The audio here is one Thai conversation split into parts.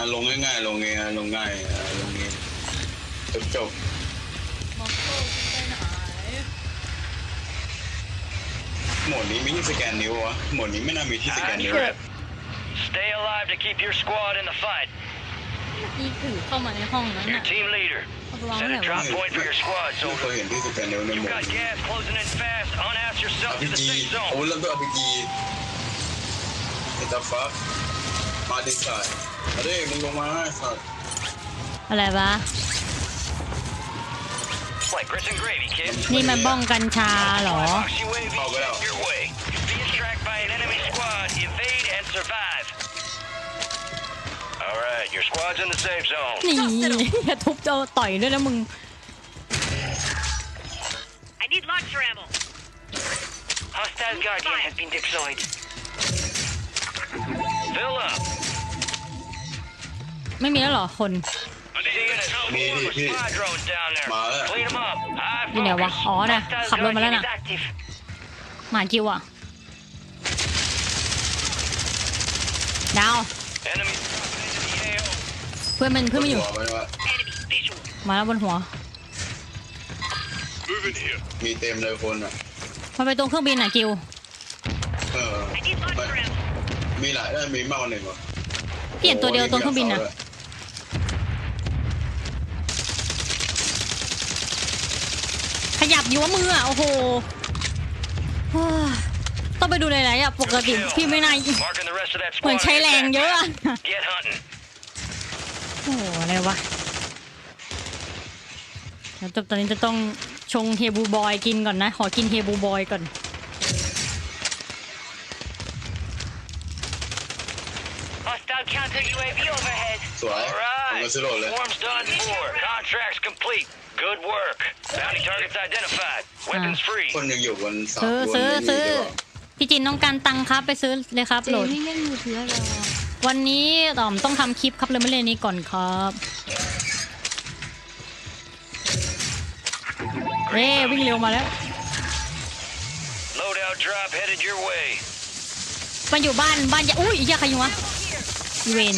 ลงง่ายๆลงเองลงง่ายลงเองจบมอสโก้ไปไหนโหมดนี้มีที่สแกนนิ้ววะโหมดนี้ไม่น่ามีที่สแกนนิ้ว Stay alive to keep your squad in the fight. นี่ถือเข้ามาในห้องนั้น Your น่ะ team leader. เอาไปวาง Set ไหน a วะ drop point for your squad, ไม่เคย soldier. เห็นที่สแกนนิ้วในโหม You've ด got gas closing in fast. Unass yourself to the RPG safe โอ้ zone. เริ่มด้วย RPG ไอ้ตาฟ้ามาดิสายมาดิมึงลงมาสัตว์อะไรวะ Like grits and gravy, kid. นี่มันบ้องกัญชาเหรอ Box UAV heading your way. Being tracked by an enemy squad. Evade and survive. All right, your squad's in the safe zone. นี่อย่าทุบเจ้าต่อยด้วยนะมึง I need launcher ammo. Hostile Guardian has been deployed. Fill up. ไม่มีแล้วเหรอคน Seeing a swarm of spy drones down there. Clean them up. High อยู่ไหนวะ focus. อ๋อน่ะ Hostile ขับรถมาแล้ว Guardian น่ะ is active. หมาจิวอ่ะดาว Enemy dropping into the AO. เพื่อนมันอยู่หัวมันวะ Enemy visual. มาแล้วบนหัว Moving here. มีเต็มเลยคนอ่ะมันไปตรงเครื่องบินอ่ะกิว I need launcher ammo. มีหลายได้มีมากกว่าหนึ่งวะเปลี่ยนตัวเดียวตรงเครื่องบินอ่ะขยับอยู่ว่ามืออ่ะโอ้โหต้องไปดูหลายๆอ่ะปกติพี่ไม่น่า Marking the rest of that เหมือน squad. ใช้แรงเยอะอะ Get hunting. โอ้โหอะไรวะเดี๋ยวตอนนี้จะต้องชงเฮบูบอยกินก่อนนะขอกินเฮบูบอยก่อน Hostile counter UAV overhead. สวย All ผม right. ก็ซื้อโหลดเลย Swarm's done for. Contracts complete. Good work. Bounty targets identified. Weapons free. คนยังอยู่บนเสาซื้อพี่จินต้องการตังค์ครับไปซื้อเลยครับโหลดไม่เล่นมือถือแล้ววันนี้ต้องทำคลิปครับเลยไม่เล่นนี้ก่อนครับวิ่งเร็วมาแล้ว Loadout drop headed your way. มันอยู่บ้านอย่าอุ้ยเหี้ยใครอยู่วะอีเวน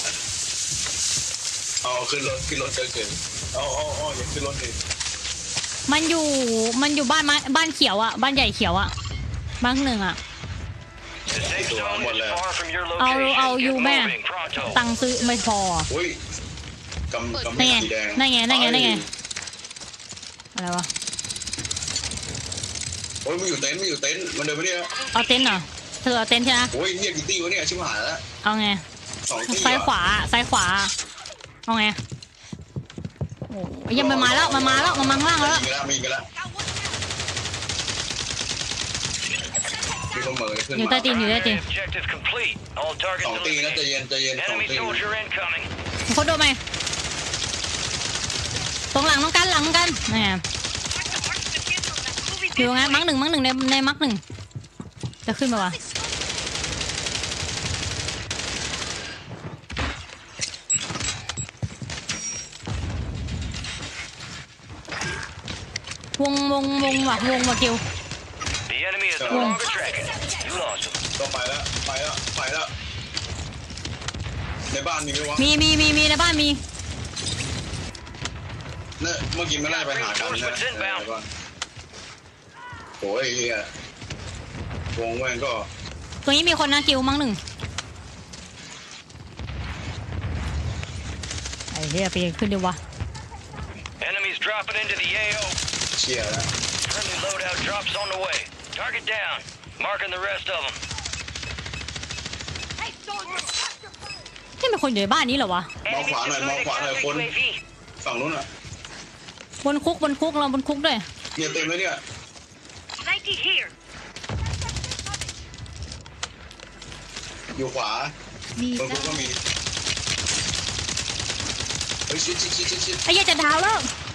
เอาขึ้นรถเจอเกินเอาอย่าขึ้นรถดิมันอยู่บ้านเขียวอ่ะบ้านใหญ่เขียวอ่ะบ้านหนึ่งอ่ะ The safe zone is far from your เอา location. อยู่ Get แม่ moving pronto. ตังค์ซื้อไม่พออุ้ยกำนั่นไงสีแดงนั่นไงอะไรวะโอ้ยมันอยู่เต็นท์มันเดินไปเนี่ยเอาเต็นท์เหรอเธอเอาเต็นท์ใช่ไหมโอ้ยเนี่ยกี่ตี้วะเนี่ยชิบหายแล้วเอาไง 2 ตี้ซ้ายขวาเอาไงโอ้ยยังมันมาแล้วมันมาข้างล่างแล้วมีกันแล้วมีคนเหมือขึ้นอยู่ใต้ตีน Objective complete. All targets 2 ตีนะใจ eliminated. เย็น2 Enemy ตี soldier incoming. เขาโดนไหมตรงหลังน้องกันนี่ไง Moving อยู่ไงมักหนึ่งในมักหนึ่งจะขึ้นมาวะวงว่ะกิว The enemy is no longer tracking. You lost him. ก็ไปแล้วในบ้านมีไหมวะมีในบ้านมีเนี่ยเมื่อกี้ไม่ได้ไปหากันนะโอ้ยเฮียวงแม่งก็ตรงนี้มีคนนะกิวมักหนึ่งไอ้เหี้ยไปขึ้นดิวะ Enemies dropping into the AO. เชี่ยแล้ว Friendly loadout drops on the way. Target down. Marking the rest of them. ที่เป็นคนอยู่ในบ้านนี้เหรอวะมองขวาหน่อยคนฝั่งนู้นอ่ะบนคุกเราบนคุกด้วยเนี่ยเต็มเลยเนี่ย 90 here. อยู่ขวามีบนคุกก็มีเฮ้ยชิดไอ้เหี้ยจะดาวแล้ว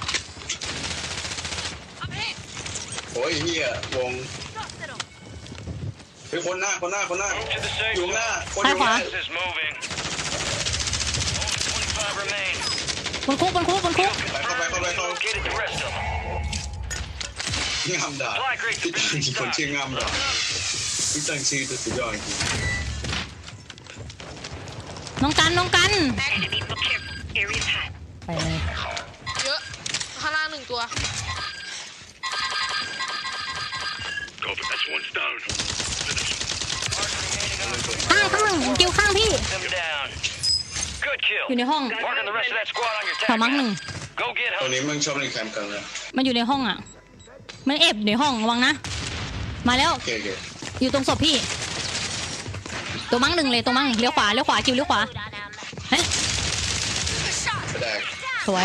โอ้ยเฮียวงเฮ้ยคนหน้า Move to the safe อยู่หน้า zone. คนอยู่หน้า Gas is moving. Only 25 remain. บนคุกไปเข้า Located the rest of them. งามด่าที่ตั้งคนชื่องามด่าที่ตั้งชื่อตัวสุดยอดจริงน้องกัน Enemy, look careful. Area's hot. ไปเลยเยอะข้างล่างหนึ่งตัว Copy. That's one down. ข้างกิวข้างพี่ Them down. Good อยู่ kill. ในห้อง Marking the rest of that squad on your แถว tag มั้งหนึ่ง map. Go get ตรง him. นี้มึงชอบเล่นแคมป์กันเลยมันอยู่ในห้องอ่ะ มันแอบอยู่ในห้องระวังนะ มาแล้วโอเคโอเคอยู่ตรงศพพี่ ตัวมั้งหนึ่งเลยตัวมั้งเลี้ยวขวากิวเลี้ยวขวาเฮ้ยกระแดกสวย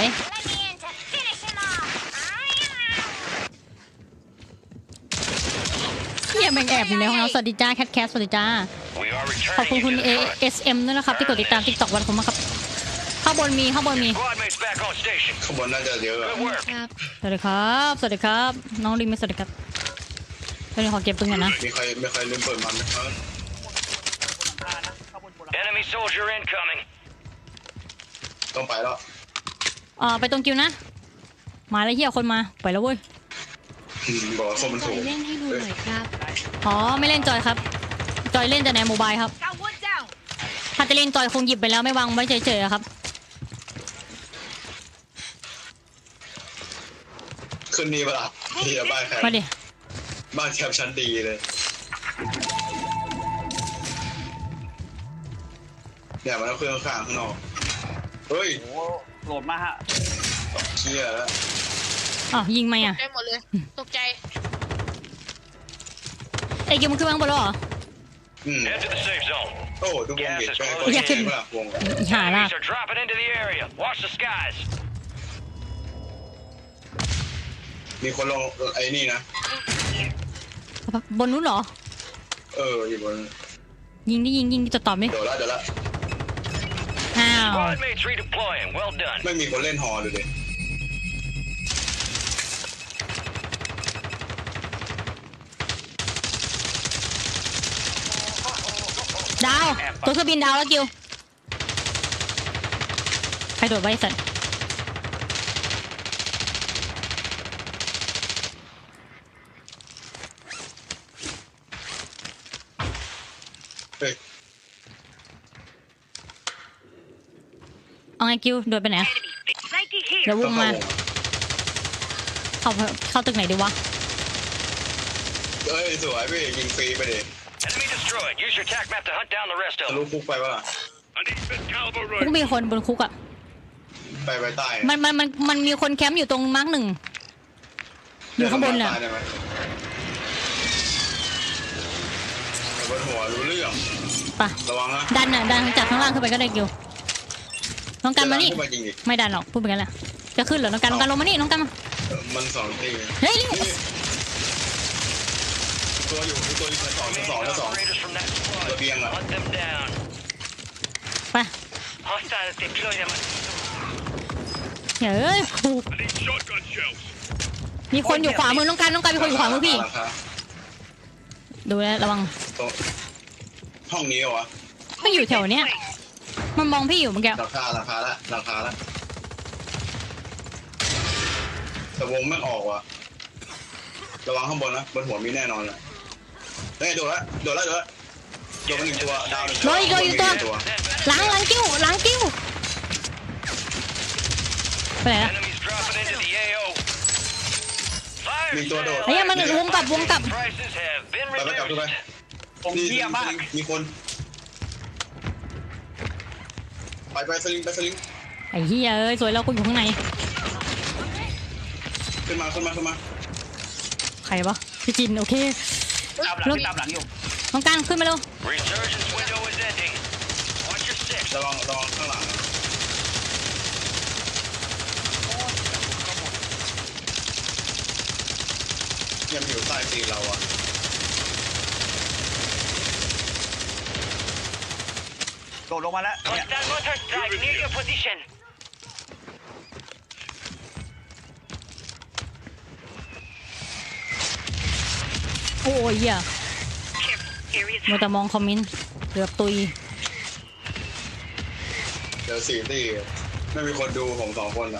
เฮียแม่งแอบอยู่ในห้องเราสวัสดีจ้าแคทสวัสดีจ้า We are ขอบคุณ returning คุณ you to the front. ASM ด้วยนะครับที่กดติดตาม TikTok วันผมนะครับข้างบนมี Squad mates back on station. ข้างบนน่าจะเยอะอะ Good work. สวัสดีครับ น้องลิมสวัสดีครับเดี๋ยวขอเก็บปืนก่อนนะมีใครลืมเปิดมันไหมครับ Enemy soldier incoming. ต้องไปแล้วไปตรงกิวนะ มาแล้วเฮียคนมาไปแล้วเว้ยบอกว่าคนมันถูกเล่นให้ดูหน่อยครับอ๋อไม่เล่นจอยครับจอยเล่นแต่ในโมบายครับ Got one down. ถ้าจะเล่นจอยคงหยิบไปแล้วไม่วางไว้เฉยๆอะครับขึ้นนี่ปะล่ะที่บ้านแคมมาดิบ้านแคมชั้นดีเลยเนี่ยมันเอาเครื่องข้างข้างนอกเฮ้ยโอ้โหลดมาฮะเชี่ยแล้วอ๋อยิงไหมอ่ะได้หมดเลย ตกใจไอ้กิวมันขึ้นมาข้างบนแล้วเหรอ Head to the safe zone. โอ้ดูวงเด็กแม่งก็อยากขึ้นแย่ปะล่ะวงอีห่าละ Enemies are dropping into the area. Watch the skies. มีคนลงไอ้นี่นะบนนู้นเหรออยู่บนยิงดิจะตอบไหมเดี๋ยวละอ้าว Squad mates redeploying. Well done. ไม่มีคนเล่นฮอดูดิดาวตัวเครื่องบินดาวแล้วกิวใครโดดไว้สัตว์เฮ้ยเอาไงกิวโดดไปไหนอะ Enemy. 90 here. เดี๋ยววต้องงเข้าวมาง เข้าตึกไหนดีวะเอ้ยสวยพี่ยิงฟรีไปดิ Enemy destroyed. Use your tac map to hunt down the rest ทะ of ลุ them. คุกไปปะล่ะ I need mid caliber คุกมีคนบนคุกอ่ะไปใต้มันมีคนแคมป์อยู่ตรงมาร์กหนึ่งอยู่ข้างบนน่ะได้ไหมบนหัวรู้เรื่องไประวังนะดันจากข้างล่างขึ้นไปก็ได้กิวน้องกันมานี่ขึ้นมาจริงดิไม่ดันหรอกพูดไปกันแหละจะขึ้นเหรอน้องกันลงมานี่น้องกันมามันสองตีเฮ้ยนี่ตัวอยู่ชั้นสอง Operators from that squad. Reviang lah. Hunt them down. ไป Hostiles deploy them. เฮ้ยผูก I need shotgun shells. มีคนอยู่ขวามือน้องกันมีคนอยู่ขวามือพี่ราคาดูแลระวังตรงห้องนี้เหรอวะไม่อยู่แถวเนี้ยมันมองพี่อยู่เมื่อกี้ราคาละแต่วงไม่ออกว่ะระวังข้างบนนะบนหัวมีแน่นอนเลยเฮ้ยโดดละโดนไปหนึ่งตัวดาวหนึ่งตัวโดนอีกตัว หลังกิ้วไปไหนละ Enemies dropping into the AO. Fire มีตัวโดดเฮ้ยมันวงกลับ prices have been ไปกลับขึ้นไป reduced. ผมเยี่ยมมากมีคนไปสลิงไอ้เหี้ยเอ้ยสวยแล้วกูอยู่ข้างในขึ้นมาใครวะพี่จินโอเคตามหลังอยู่น้องกันขึ้นมาเร็ว Resurgence window is ending. Watch your six. ระวังข้างหลังยังอยู่ใต้ตีนเราอ่ะโดดลงมาแล้วเนี่ย Hostile mortar strike near your position. โอ้ยเหี้ย Careful. Area's มัว hot. แต่มองคอมเมนต์เกือบตุยเดี๋ยว4ตีไม่มีคนดูผม2คนอ่ะ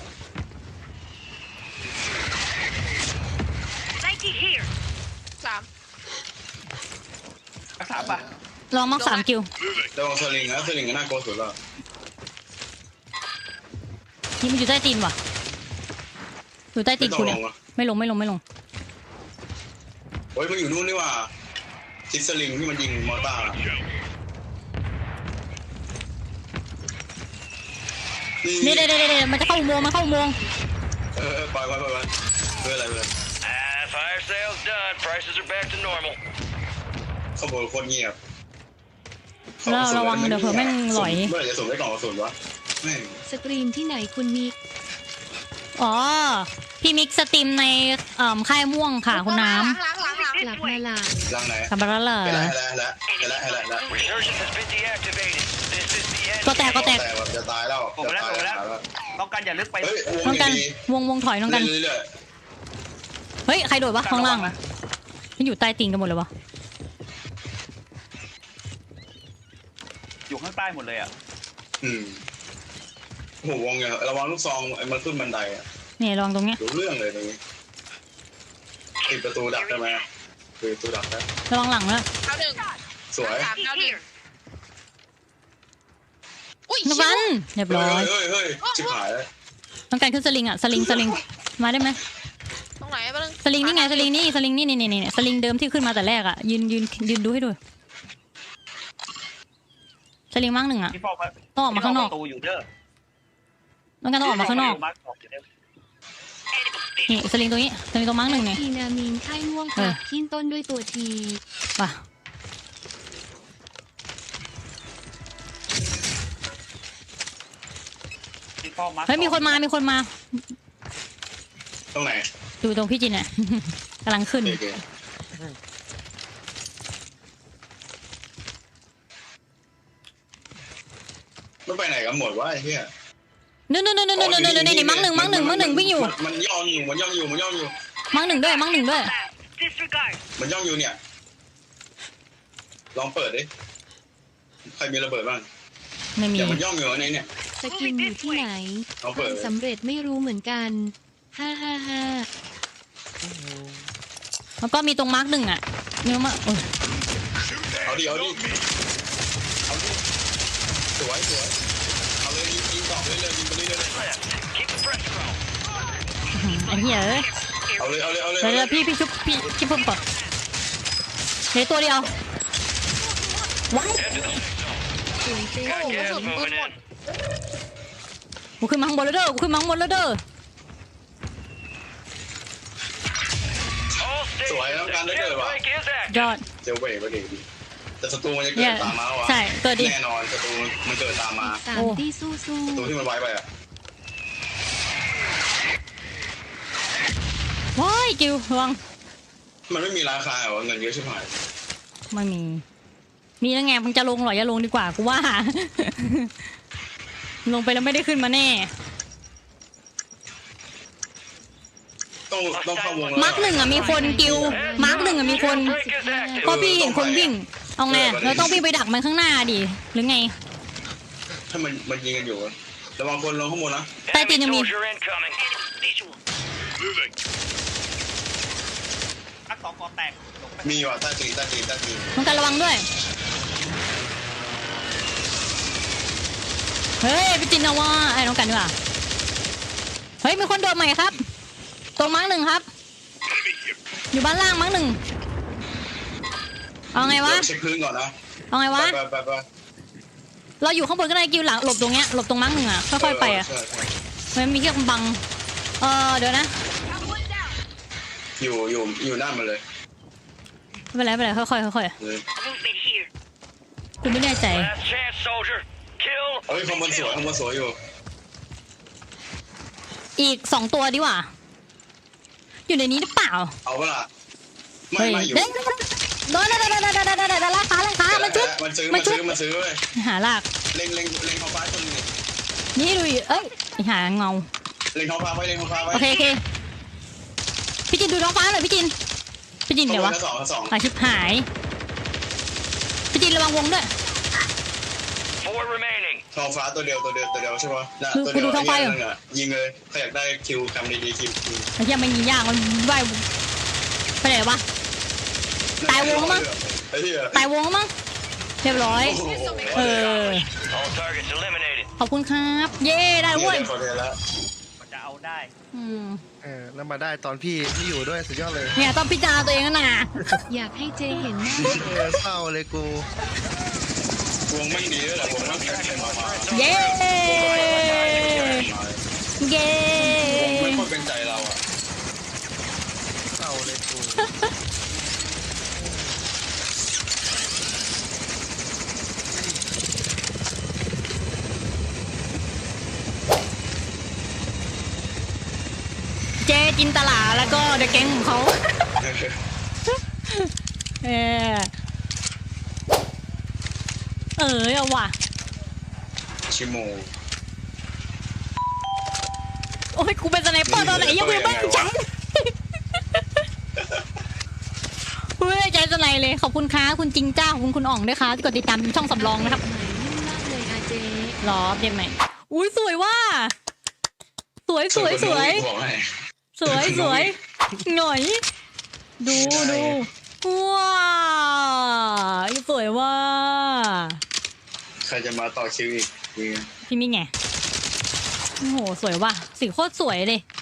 90 here. 3 รักษาป่ะลองมักสามกิวระวังสลิงนะสลิงก็น่ากลัวสุดแล้วนี่มันอยู่ใต้ตีนว่ะอยู่ใต้ตีนไม่ต้อกูงลเนี่ยงอ่ะไม่ลงโอ้ยมันอยู่นู่นนี่ว่าทิศสลิงที่มันยิงมอร์ตาร์นี่เดี๋ยวมันจะเข้าอุโมงค์มันเข้าอุโมงค์ปล่อยเพื่ออะไร Fire sales done. Prices are back to normal. ขบวนโคตรเงียบระวังเดี๋ยวเผื่อแม่งหลอยเมื่อไหร่จะส่งได้กล่องกระสุนวะแม่งสตรีมที่ไหนคุณมิกอ๋อพี่มิกสตรีมในค่ายม่วงค่ะคุณน้หลังกลับมาหลานรังไหนำกลับมาแล้วเหรอแล้ว Resurgence has been deactivated. This is the end. ก็แตกแต่แบบจะตายแล้วต้องการอย่าลึกไปเฮ้ยน้องกันวงถอยน้องกันเรื่อยเฮ้ยใครโดดวะข้างล่างมันอยู่ใต้ตีนกันหมดเลยวะอยู่ข้างใต้หมดเลยอ่ะโอ้โหวงเนี่ยระวังลูกซองมันขึ้นบันไดอ่ะนี่ลองตรงเนี้ยรู้เรื่องเลยตรงนี้ปิดประตูดักได้ไหมปิดประตูดักได้ระวังหลังแล้วดาวหนึ่งสวยสามดาวหนึ่งอุ้ยน้องกันเรียบร้อยเฮ้ยชิบหายแล้วน้องกันขึ้นสลิงอ่ะสลิงมาได้ไหมตรงไหนบ้างสลิงนี่ไงสลิงนี่สลิงนี่สลิงเดิมที่ขึ้นมาแต่แรกอ่ะยืนดูให้ดูสลิงมั่งหนึ่งอ่ะพี่ฟอกต้องออกมาข้างนอกประตูอยู่เด้อน้องกันต้องออกมาข้างนอกนี่สลิงตรงนี้สลิงตรงมั่งหนึ่งเนี่ยทีนามีนค่ายม่วงครับขึ้นต้นด้วยตัวทีว่ะพี่ฟอกมาเฮ้ยมีคนมาตรงไหนดูตรงพี่จินเนี่ย กำลังขึ้นโอเคไม่ไปไหนกันหมดวะไอ้เหี้ยนู่นนี่มั่งหนึ่งวิ่งอยู่มันย่องอยู่มั่งหนึ่งด้วย Disregard. มันย่องอยู่เนี่ยลองเปิดดิใครมีระเบิดบ้างไม่มีเดี๋ยวมันย่องอยู่ในเนี่ยสกินอยู่ที่ไหนลองเปิดทำสำเร็จไม่รู้เหมือนกันฮ่าแล้วก็มีตรงมาร์กหนึ่งอ่ะเนี่ยมาโอ้ยเอาดิสวยเอาเลยยิงต่อเลยยิงไปเรื่อย Left. Keep the pressure on. ไอ้เหี้ยเอ้ยเอาเลยเดี๋ยวพี่ชุบพี่พุ่มก่อนเดี๋ยวตัวเดียวว้ายสวยเจ๊ Got gas moving in. กูขึ้นมาข้างบนแล้วเด้อ All สวยแล้วกันได้เกิดว่ะ jailbreak is active. ยอดเจลเวย์ก็ดีแต่ศัตรูมันจะเกิดตามมาวะใช่เกิดดิแน่นอนศัตรูมันเกิดตามมาสามที่สู้ศัตรูที่มันไว้ไปอ่ะว้ายกิวระวังมันไม่มีราคาเหรอเงินเยอะชิบหายไม่มีมีแล้วไงมึงจะลงหรออย่าลงดีกว่ากูว่า ลงไปแล้วไม่ได้ขึ้นมาแน่ต้องเข้าวงมาร์กหนึ่งอ่ะมีคนกิวมาร์กหนึ่งอ่ะมีคน Jailbreak is active. ก็พี่เห็นคนวิ่งเอาไงเราต้องวิ่งไปดักมันข้างหน้าดิหรือไงถ้ามันยิงกันอยู่ระวังคนลงข้างบนนะใต้ตีนยังมี Soldier incoming. Visual. นักสองกอแตกลงไปมีว่ะใต้ตีนน้องกันระวังด้วยเฮ้ยไปจินเอาว่าไอ้น้องกันดีกว่าเฮ้ยมีคนโดดใหม่ครับตรงมาร์กหนึ่งครับอยู่บ้านล่างมาร์กหนึ่งเอาไงวะเช็คพื้นก่อนนะเอาไงวะไปเราอยู่ข้างบนก็ได้กิวหลังหลบตรงเนี้ยหลบตรงมาร์กหนึ่งอ่ะค่อยๆไปอ่ะมันมีเครื่องบังเดี๋ยวนะอยู่หน้ามันเลยไม่เป็นไรค่อย Movement here. ๆกูไม่แน่ใจ Last chance, soldier. Kill. เฮ้ยข้างบนสวยอยู่อีก2ตัวดีกว่าอยู่ในนี้หรือเปล่าเอาเวลาเฮ้ยไม่อยู่เด้งโดนราคามันชุบมันซื้อเลยหาลากเล็งท้องฟ้าคนนึงนี่ดูเอ้ยหาเงาเล็งท้องฟ้าไว้โอเคพี่จินดูท้องฟ้าหน่อยพี่จินเดี๋ยววะสองชิบหายพี่จินระวังวงด้วย 4 remaining. ท้องฟ้าตัวเดียวใช่ปะน่ะดูตัวเดียวดูท้องฟ้าอยู่ยิงเลยใครอยากได้คิวทำดีๆคิวไอ้เหี้ยไม่มียากมันว่ายไปไหนวะ ตายวงแล้วมั้งไอ้เหี้ยตายวงแล้วมั้งเรียบร้อยโอ้โหเออ All targets eliminated. ขอบคุณครับ เย้ได้เว้ยขอเทแล้วมันจะเอาได้อืมแล้วมาได้ตอนพี่ไม่อยู่ด้วยสุดยอดเลยเนี่ยต้องพิจารณาตัวเองแล้วนะอยากให้เจเห็นหน้าเศร้าเลยกูวงไม่ดีด้วยแหละวงไม่แข็งแรงมาเย้เย้วงไม่ค่อยเป็นใจเราอ่ะเศร้าเลยกูเจจินตลาแล้วก็เดอะแก๊งของเขาเออเอาว่ะชิโมโอ้ยกูเป็นสไนเปอร์ตอนไหนยังไม่บ้างจังกูไม่ได้ใจสไนเลยขอบคุณค้าคุณจริงจ้าขอบคุณคุณอ่องด้วยค่ะที่กดติดตามช่องสำรองนะครับหมายนิ่มมากเลยอาเจรอเดี๋ยวใหม่อุ้ยสวยว่าสวยบอกให้สวยหน่อยดูว้าวสวยว่าใครจะมาต่อคิวอีกนี่ไงพี่มิ่งไงโอ้โหสวยว่ะสีโคตรสวยเลย